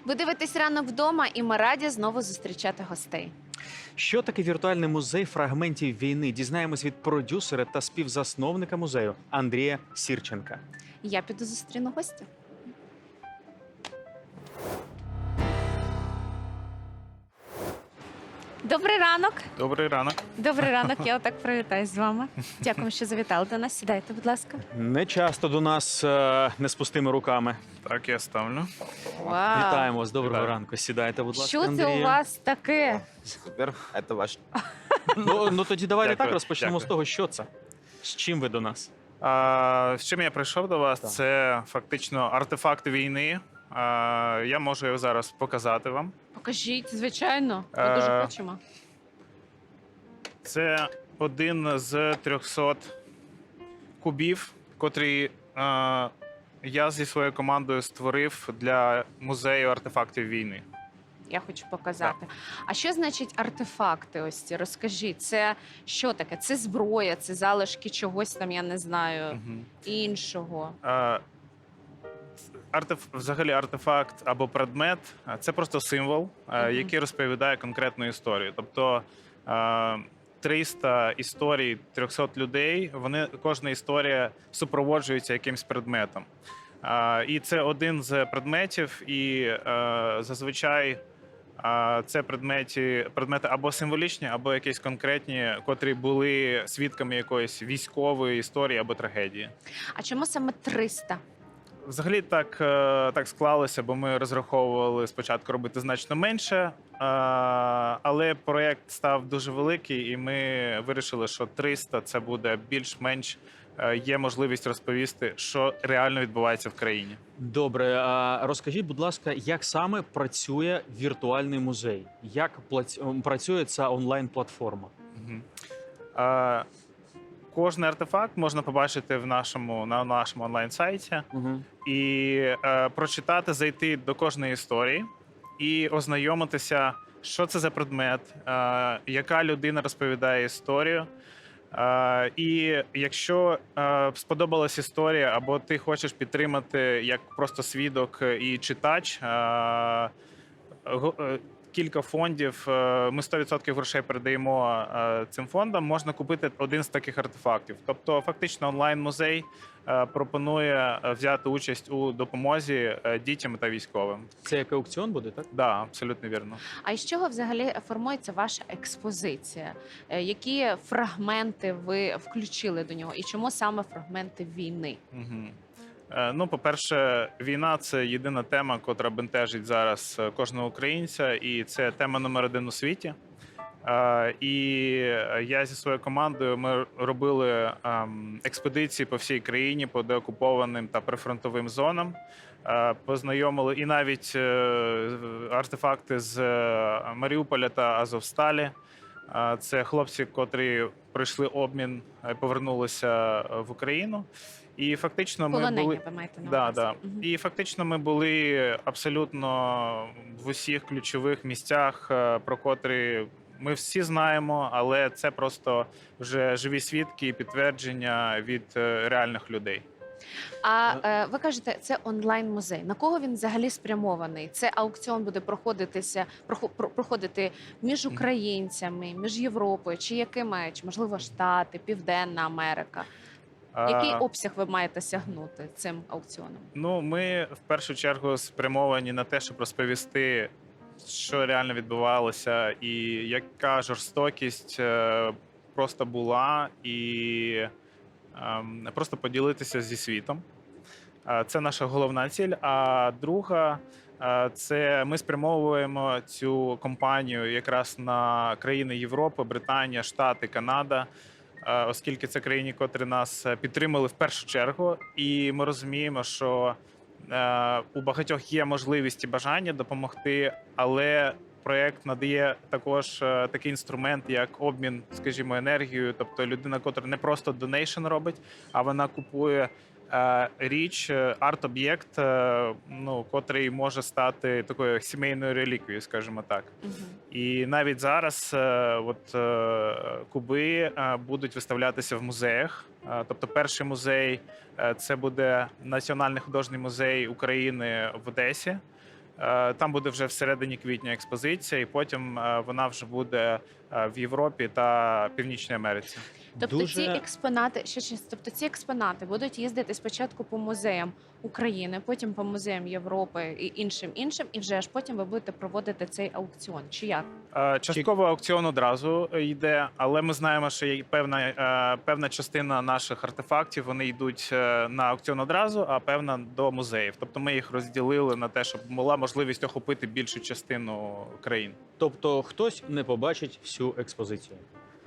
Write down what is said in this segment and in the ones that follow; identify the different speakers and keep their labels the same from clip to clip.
Speaker 1: Ви дивитесь «Ранок вдома» і ми раді знову зустрічати гостей.
Speaker 2: Що таке віртуальний музей фрагментів війни? Дізнаємось від продюсера та співзасновника музею Андрія Сірченка.
Speaker 1: Я піду зустріну гостя. Добрий ранок.
Speaker 3: Добрий ранок.
Speaker 1: Добрий ранок. Я отак привітаюсь з вами. Дякую, що завітали до нас. Сідайте, будь ласка.
Speaker 2: Не часто до нас не з пустими руками.
Speaker 3: Так, я ставлю.
Speaker 1: Вау.
Speaker 2: Вітаємо вас. Доброго
Speaker 3: Вітаю.
Speaker 2: ранку. Сідайте, будь ласка,
Speaker 1: Що це
Speaker 2: Андрію.
Speaker 1: у вас таке?
Speaker 4: Супер, это ваш.
Speaker 2: Ну тоді давайте
Speaker 3: Дякую,
Speaker 2: так розпочнемо
Speaker 3: дякую.
Speaker 2: з того, що це. З чим ви до нас?
Speaker 3: З чим я прийшов до вас?
Speaker 2: Так.
Speaker 3: Це фактично артефакт війни. Я можу його зараз показати вам.
Speaker 1: Покажіть, звичайно. Ми дуже хочемо.
Speaker 3: Це один з 300 кубів, котрий я зі своєю командою створив для музею артефактів війни.
Speaker 1: Я хочу показати. А що значить артефакти ось ці? Розкажіть, це що таке? Це зброя, це залишки чогось там, я не знаю,
Speaker 3: Мгм.
Speaker 1: іншого.
Speaker 3: Взагалі артефакт або предмет це просто символ, який розповідає конкретну історію. Тобто 300 історій 300 людей, кожна історія супроводжується якимсь предметом. І це один з предметів, і зазвичай це предмети або символічні, або якісь конкретні, котрі були свідками якоїсь військової історії або трагедії.
Speaker 1: А чому саме 300?
Speaker 3: Взагалі так склалося, бо ми розраховували спочатку робити значно менше, але проєкт став дуже великий, і ми вирішили, що 300 – це буде більш-менш є можливість розповісти, що реально відбувається в країні.
Speaker 2: Добре, а розкажіть, будь ласка, як саме працює віртуальний музей? Як працює ця онлайн-платформа?
Speaker 3: Мгм. Кожний артефакт можна побачити на нашому онлайн-сайті
Speaker 2: Угу.
Speaker 3: і прочитати, зайти до кожної історії і ознайомитися, що це за предмет, яка людина розповідає історію. І якщо сподобалась історія, або ти хочеш підтримати як просто свідок і читач, кілька фондів, ми 100% грошей передаємо цим фондам, можна купити один з таких артефактів. Тобто фактично онлайн-музей пропонує взяти участь у допомозі дітям та військовим.
Speaker 2: Це як аукціон буде, так?
Speaker 3: Так, да, абсолютно вірно.
Speaker 1: А із чого взагалі формується ваша експозиція? Які фрагменти ви включили до нього? І чому саме фрагменти війни?
Speaker 3: Угу. Ну, по-перше, війна – це єдина тема, котра бентежить зараз кожного українця, і це тема номер один у світі. І я зі своєю командою, ми робили експедиції по всій країні, по деокупованим та прифронтовим зонам, познайомили і навіть артефакти з Маріуполя та Азовсталі. Це хлопці, котрі пройшли обмін, повернулися в Україну. І фактично ми
Speaker 1: Полонені,
Speaker 3: були
Speaker 1: ви маєте на
Speaker 3: да,
Speaker 1: увазі.
Speaker 3: да.
Speaker 1: Мгм.
Speaker 3: І фактично ми були абсолютно в усіх ключових місцях, про котрі ми всі знаємо, але це просто вже живі свідки і підтвердження від реальних людей.
Speaker 1: А ви кажете, це онлайн-музей. На кого він взагалі спрямований? Це аукціон буде проходити між українцями, між Європою, чи якими, чи можливо Штати, Південна Америка? Який обсяг ви маєте сягнути цим аукціоном?
Speaker 3: Ну, ми в першу чергу спрямовані на те, щоб розповісти, що реально відбувалося, і яка жорстокість просто була, і просто поділитися зі світом. Це наша головна ціль. А друга це ми спрямовуємо цю кампанію якраз на країни Європи, Британія, Штати, Канада, оскільки це країни, котрі нас підтримали в першу чергу, і ми розуміємо, що у багатьох є можливість і бажання допомогти, але проєкт надає також такий інструмент, як обмін, скажімо, енергією. Тобто людина, котра не просто донейшн робить, а вона купує річ, арт-об'єкт, ну, котрий може стати такою сімейною реліквією, скажімо так.
Speaker 1: Угу.
Speaker 3: І навіть зараз куби будуть виставлятися в музеях. Тобто перший музей – це буде Національний художній музей України в Одесі. Там буде вже всередині квітня експозиція, і потім вона вже буде в Європі та Північній Америці.
Speaker 1: Тобто ці експонати, тобто ці експонати будуть їздити спочатку по музеям України, потім по музеям Європи і іншим, і вже аж потім ви будете проводити цей аукціон. Чи як?
Speaker 3: Частково аукціон одразу йде, але ми знаємо, що є певна частина наших артефактів, вони йдуть на аукціон одразу, а певна до музеїв. Тобто ми їх розділили на те, щоб була можливість охопити більшу частину країн.
Speaker 2: Тобто хтось не побачить всю експозицію.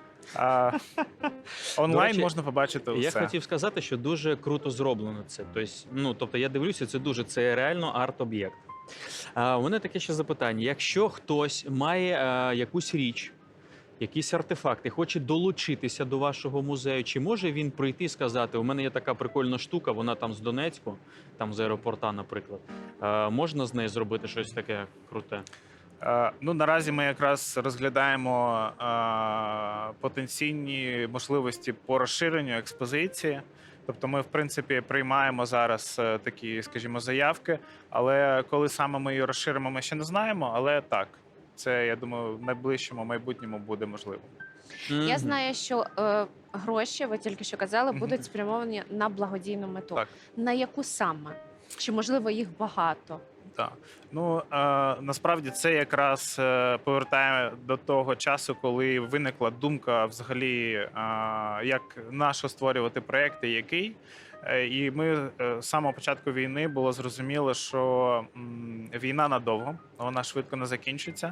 Speaker 3: Онлайн
Speaker 2: речі,
Speaker 3: можна побачити все.
Speaker 2: Я хотів сказати, що дуже круто зроблено це. Тобто я дивлюся, це реально арт-об'єкт. У мене таке ще запитання: якщо хтось має якусь річ, якийсь артефакт і хоче долучитися до вашого музею, чи може він прийти і сказати: у мене є така прикольна штука, вона там з Донецьку, там з аеропорта, наприклад. Можна з нею зробити щось таке круте?
Speaker 3: Наразі ми якраз розглядаємо потенційні можливості по розширенню експозиції. Тобто ми, в принципі, приймаємо зараз такі, скажімо, заявки, але коли саме ми її розширимо, ми ще не знаємо, але так, це, я думаю, в найближчому майбутньому буде можливо.
Speaker 1: Я знаю, що гроші, ви тільки що казали, будуть спрямовані на благодійну мету.
Speaker 3: Так.
Speaker 1: На яку саме? Чи, можливо, їх багато?
Speaker 3: Так. Насправді це якраз повертає до того часу, коли виникла думка взагалі, як нащо створювати проекти, який. І ми з самого початку війни було зрозуміло, що війна надовго, вона швидко не закінчиться.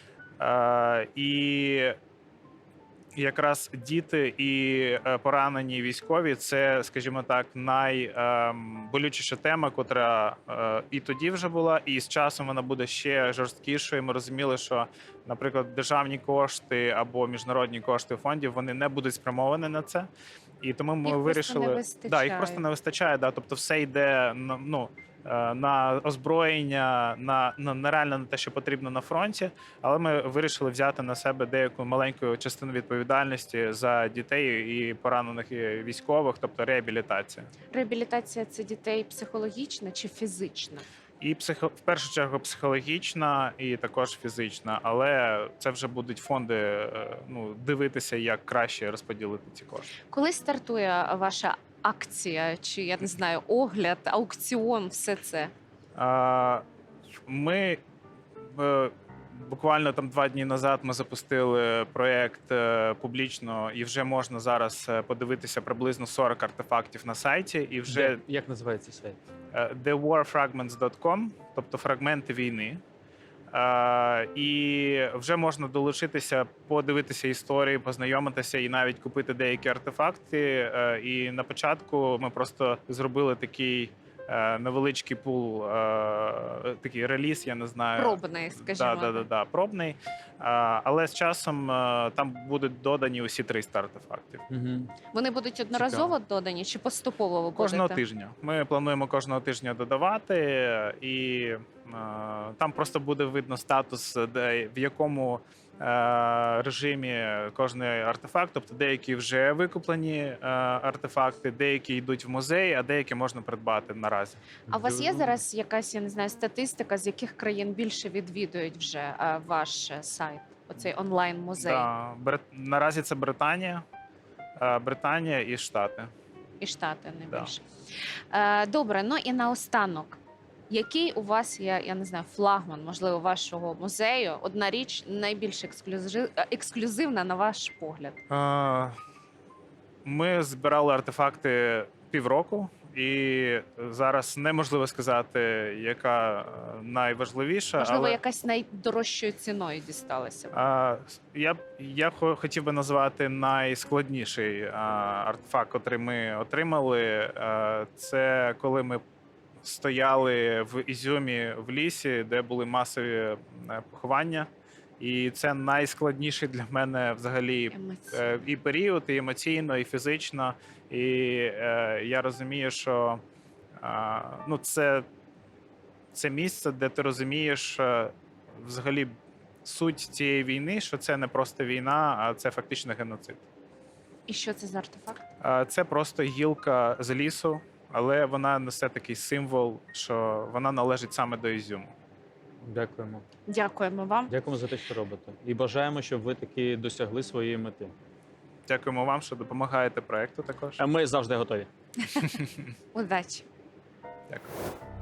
Speaker 3: І якраз діти і поранені військові – це, скажімо так, найболючіша тема, котра і тоді вже була, і з часом вона буде ще жорсткішою. Ми розуміли, що, наприклад, державні кошти або міжнародні кошти фондів, вони не будуть спрямовані на це. І тому ми вирішили, їх просто не вистачає. Тобто все йде на озброєння, нереально на те, що потрібно на фронті, але ми вирішили взяти на себе деяку маленьку частину відповідальності за дітей і поранених військових, тобто реабілітація.
Speaker 1: Реабілітація – це дітей психологічна чи фізична?
Speaker 3: І в першу чергу психологічна, і також фізична, але це вже будуть фонди дивитися, як краще розподілити ці кошти.
Speaker 1: Коли стартує ваша акція, чи, я не знаю, огляд, аукціон, все це?
Speaker 3: Ми буквально 2 дні назад ми запустили проєкт публічно, і вже можна зараз подивитися приблизно 40 артефактів на сайті. І вже
Speaker 2: Як називається сайт?
Speaker 3: thewarfragments.com, тобто фрагменти війни. І вже можна долучитися, подивитися історії, познайомитися і навіть купити деякі артефакти. І на початку ми просто зробили такий невеличкий пул, такий реліз, я не знаю.
Speaker 1: Пробний, скажімо.
Speaker 3: Так, пробний. Але з часом там будуть додані усі 300 артефактів.
Speaker 1: Вони будуть одноразово додані чи поступово ви будете?
Speaker 3: Кожного тижня. Ми плануємо кожного тижня додавати, і там просто буде видно статус, в якому режимі кожний артефакт. Тобто деякі вже викуплені артефакти, деякі йдуть в музей, а деякі можна придбати наразі.
Speaker 1: А у вас є зараз якась, я не знаю, статистика, з яких країн більше відвідують вже ваш сайт, оцей онлайн-музей?
Speaker 3: Наразі це Британія і Штати.
Speaker 1: І Штати найбільше. Добре, і наостанок. Який у вас є, я не знаю, флагман, можливо, вашого музею? Одна річ найбільш ексклюзивна, на ваш погляд?
Speaker 3: Ми збирали артефакти півроку, і зараз неможливо сказати, яка найважливіша.
Speaker 1: Можливо, якась найдорожчою ціною дісталася?
Speaker 3: Я хотів би назвати найскладніший артефакт, який ми отримали. Це коли ми стояли в Ізюмі в лісі, де були масові поховання. І це найскладніший для мене взагалі і період, і емоційно, і фізично. І я розумію, що це місце, де ти розумієш взагалі суть цієї війни, що це не просто війна, а це фактично геноцид.
Speaker 1: І що це за артефакт?
Speaker 3: Це просто гілка з лісу, але вона несе такий символ, що вона належить саме до Ізюму.
Speaker 2: Дякуємо.
Speaker 1: Дякуємо вам.
Speaker 2: Дякуємо за те, що робите. І бажаємо, щоб ви таки досягли своєї мети.
Speaker 3: Дякуємо вам, що допомагаєте проекту також.
Speaker 2: А ми завжди готові.
Speaker 1: Удачі.
Speaker 3: Дякую.